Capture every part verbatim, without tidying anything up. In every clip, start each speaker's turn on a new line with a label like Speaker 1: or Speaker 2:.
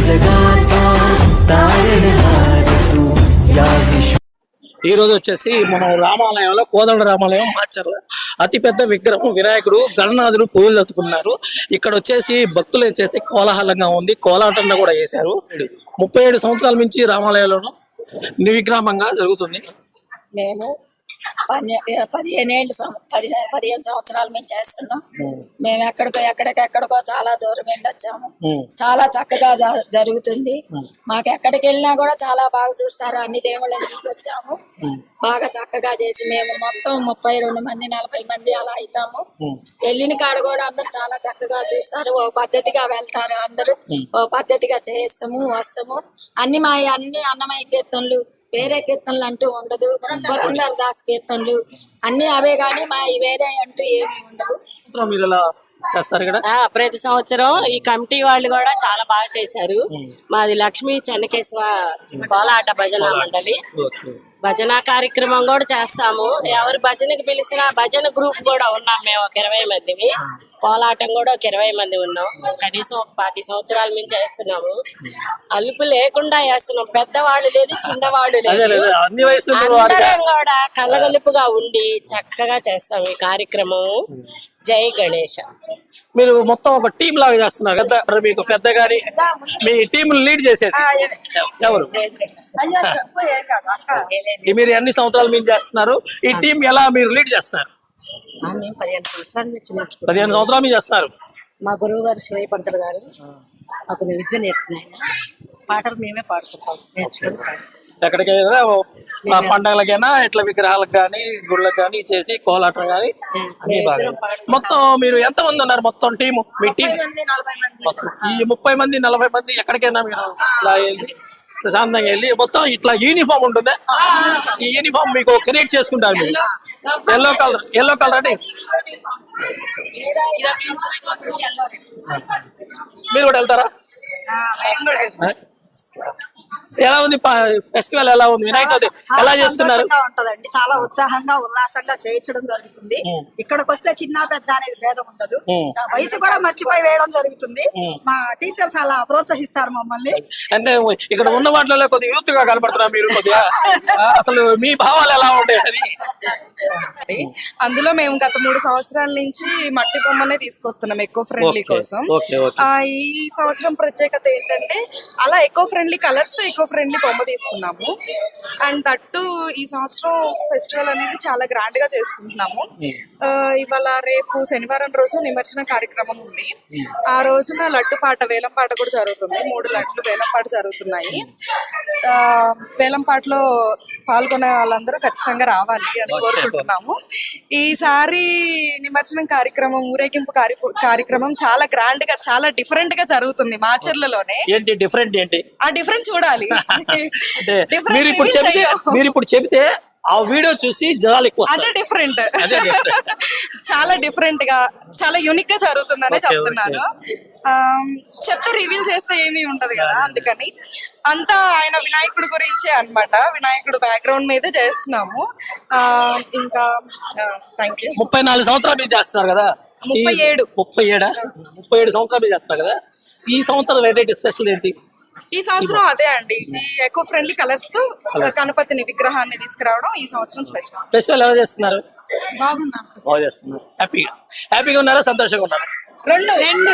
Speaker 1: जगाचा तारणहार तू या विश्व
Speaker 2: ఈ రోజు వచ్చేసి మనం రామాలయంలో కోదండ రామాలయం మార్చారు అతిపెద్ద విగ్రహం వినాయకుడు గణనాథుడు పూజలు జరుపుకున్నారు. ఇక్కడ వచ్చేసి భక్తులు వచ్చేసి కోలాహలంగా ఉంది. కోలాటంలో కూడా వేశారు. ముప్పై ఏడు సంవత్సరాల నుంచి రామాలయంలో నిర్విగ్రామంగా జరుగుతుంది.
Speaker 3: మేము పదిహేను ఏళ్ళు పది పదిహేను సంవత్సరాలు మేము చేస్తున్నాం. మేము ఎక్కడికో ఎక్కడికెక్కడికో చాలా దూరం వెళ్ళి వచ్చాము. చాలా చక్కగా జరుగుతుంది. మాకు ఎక్కడికి వెళ్ళినా కూడా చాలా బాగా చూస్తారు. అన్ని దేవుళ్ళని చూసి వచ్చాము. బాగా చక్కగా చేసి మేము మొత్తం ముప్పై రెండు మంది నలభై మంది అలా అవుతాము. వెళ్ళిన కాడ కూడా అందరు చాలా చక్కగా చూస్తారు. ఓ పద్ధతిగా వెళ్తారు. అందరూ ఓ పద్ధతిగా చేస్తాము వస్తాము. అన్ని మా అన్ని అన్నమయ్య కీర్తనలు వేరే కీర్తనలు అంటూ ఉండదు. పురంధర్ దాస్ కీర్తనలు అన్ని అవే గాని మా వేరే అంటూ ఏమి ఉండవు.
Speaker 4: ప్రతి సంవత్సరం ఈ కమిటీ వాళ్ళు కూడా చాలా బాగా చేశారు. మాది లక్ష్మీ చెన్నకేశ్వ కోలాట భజన మండలి. భజన కార్యక్రమం కూడా చేస్తాము. ఎవరు భజనకి పిలిచిన భజన గ్రూప్ కూడా ఉన్నాం. మేము ఒక ఇరవై మందివి. కోలాటం కూడా ఒక ఇరవై మంది ఉన్నాం. కనీసం ఒక పది సంవత్సరాల నుంచి చేస్తున్నాము. అలుపు లేకుండా చేస్తున్నాం. పెద్దవాళ్ళు లేదు, చిన్నవాళ్ళు లేదు, అందరం కూడా కలగలుపుగా ఉండి చక్కగా చేస్తాం ఈ కార్యక్రమం. జై గణేష.
Speaker 2: మీరు మొత్తం ఒక టీం లాగా చేస్తున్నారు కదా. మీకు పెద్ద గారి మీ టీం లీడ్ చేసేది ఎవరు? మీరు ఎన్ని సంవత్సరాలు మీరు చేస్తున్నారు? ఈ టీం ఎలా మీరు లీడ్ చేస్తున్నారు?
Speaker 3: పదిహేను సంవత్సరాలు
Speaker 2: పదిహేను సంవత్సరాలు మీరు చేస్తున్నారు.
Speaker 3: మా గురువు గారు శివయ్య పంతులు గారు మాకు విద్య నేర్పుతున్నాయి. పాటలు మేమే పాడుకుంటాం, నేర్చుకుని
Speaker 2: ఎక్కడికైనా పండగలకైనా ఇట్లా విగ్రహాలకు కానీ గుళ్ళకి కానీ చేసి కోలాటం కానీ అన్ని బాగా. మొత్తం మీరు ఎంత మంది ఉన్నారు మొత్తం టీము? మీ టీం మొత్తం ఈ ముప్పై మంది నలభై మంది ఎక్కడికైనా మీరు ఇలా వెళ్ళి ప్రశాంతంగా వెళ్ళి మొత్తం ఇట్లా యూనిఫామ్ ఉంటుంది. ఈ యూనిఫామ్ మీకు క్రియేట్ చేసుకుంటారు మీరు. ఎల్లో కలర్ ఎల్లో కలర్ అంటే మీరు కూడా వెళ్తారా? ఎలా ఉంది ఫెస్టివల్? ఎలా ఉంది వినాయక చవితి ఎలా చేస్తున్నారు?
Speaker 5: ఉంటదండి. చాలా ఉత్సాహంగా ఉల్లాసంగా చేయించడం జరుగుతుంది. ఇక్కడికి వస్తే చిన్న పెద్ద అనేది భేదం ఉండదు. వయసు కూడా మర్చిపోయి వేయడం జరుగుతుంది. మా టీచర్స్ అలా ప్రోత్సహిస్తారు మమ్మల్ని.
Speaker 2: అంటే ఇక్కడ ఉన్న వాటిలో కొద్దిగా యూత్ గా కనబడుతున్నారు మీరు. కొద్దిగా అసలు మీ భావాలు ఎలా ఉంటాయి?
Speaker 6: అందులో మేము గత మూడు సంవత్సరాల నుంచి మట్టి బొమ్మనే తీసుకొస్తున్నాం ఎకో ఫ్రెండ్లీ కోసం. ఈ సంవత్సరం ప్రత్యేకత ఏంటంటే అలా ఎకో ఫ్రెండ్లీ కలర్స్ తో ఎకో ఫ్రెండ్లీ బొమ్మ తీసుకున్నాము. అండ్ దట్టు ఈ సంవత్సరం ఫెస్టివల్ అనేది చాలా గ్రాండ్ గా చేసుకుంటున్నాము. ఇవాళ రేపు శనివారం రోజు నిమజ్జన కార్యక్రమం ఉంది. ఆ రోజున లడ్డు పాట వేలం పాట కూడా జరుగుతుంది. మూడు లడ్లు వేలం పాట జరుగుతున్నాయి. ఆ వేలం పాటలో పాల్గొనే వాళ్ళందరూ ఖచ్చితంగా రావాలి అని కోరుకుంటున్నాము. ఈసారి నిమజ్జనం కార్యక్రమం ఊరేగింపు కార్యక్రమం చాలా గ్రాండ్ గా చాలా డిఫరెంట్ గా జరుగుతుంది మాచర్లలోనే.
Speaker 2: డిఫరెంట్ ఏంటి?
Speaker 6: ఆ డిఫరెంట్ చూడాలి.
Speaker 2: మీరు ఇప్పుడు చెబితే మీరు ఇప్పుడు చెబితే ఆ వీడియో చూసి జనాలు ఎక్కువ
Speaker 6: అదే డిఫరెంట్ చాలా డిఫరెంట్ గా చాలా యూనిక్ గా జరుగుతుందనే చెప్తున్నాను. చెప్తే రివీల్ చేస్తే ఏమీ ఉంటది కదా, అందుకని అంతా ఆయన వినాయకుడు గురించే అన్నమాట. వినాయకుడు బ్యాక్గ్రౌండ్ మీదే చేస్తున్నాము. ఆ ఇంకా థ్యాంక్ యూ.
Speaker 2: ముప్పై నాలుగు సంవత్సరాలు మీరు చేస్తున్నారు కదా.
Speaker 6: ముప్పై ఏడు
Speaker 2: ముప్పై ఏడా ముప్పై ఏడు సంవత్సరాలు మీరు చేస్తున్నారు కదా. ఈ సంవత్సరం వెరైటీ స్పెషల్ ఏంటి?
Speaker 6: ఈ సంవత్సరం అదే అండి, ఈ ఎకో ఫ్రెండ్లీ కలర్స్ తో గణపతిని విగ్రహాన్ని తీసుకురావడం ఈ సంవత్సరం స్పెషల్.
Speaker 2: ఫెస్టివల్ ఎలా చేస్తున్నారు?
Speaker 6: బాగున్నారు.
Speaker 2: బాగా చేస్తున్నారు. హ్యాపీగా హ్యాపీగా ఉన్నారా? సంతోషంగా ఉన్నారా?
Speaker 6: రెండు రెండు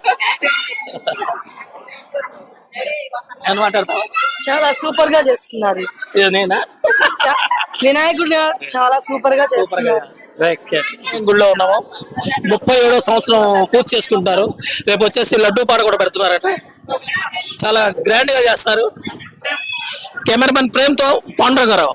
Speaker 2: ఏం మాట్లాడతావు?
Speaker 5: చాలా సూపర్ గా చేస్తున్నారు.
Speaker 2: నేనా
Speaker 5: వినాయకుడు చాలా సూపర్ గా చేస్తున్నారు.
Speaker 2: గుళ్ళో ఉన్నాము. ముప్పై ఏడో సంవత్సరం పూర్తి చేసుకుంటారు. రేపు వచ్చేసి లడ్డూ పాట కూడా పెడుతున్నారంటే చాలా గ్రాండ్ గా చేస్తారు. కెమెరామెన్ ప్రేమ్తో పాండురంగారావు.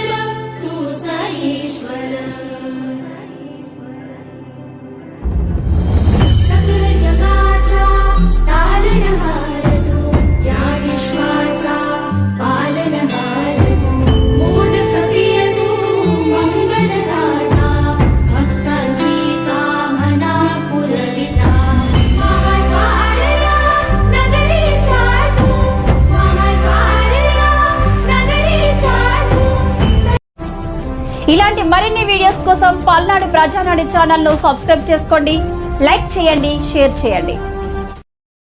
Speaker 7: ఇలాంటి మరిన్ని వీడియోస్ కోసం పల్నాడు ప్రజానాడి ఛానల్ ను సబ్స్క్రైబ్ చేసుకోండి, లైక్ చేయండి, షేర్ చేయండి.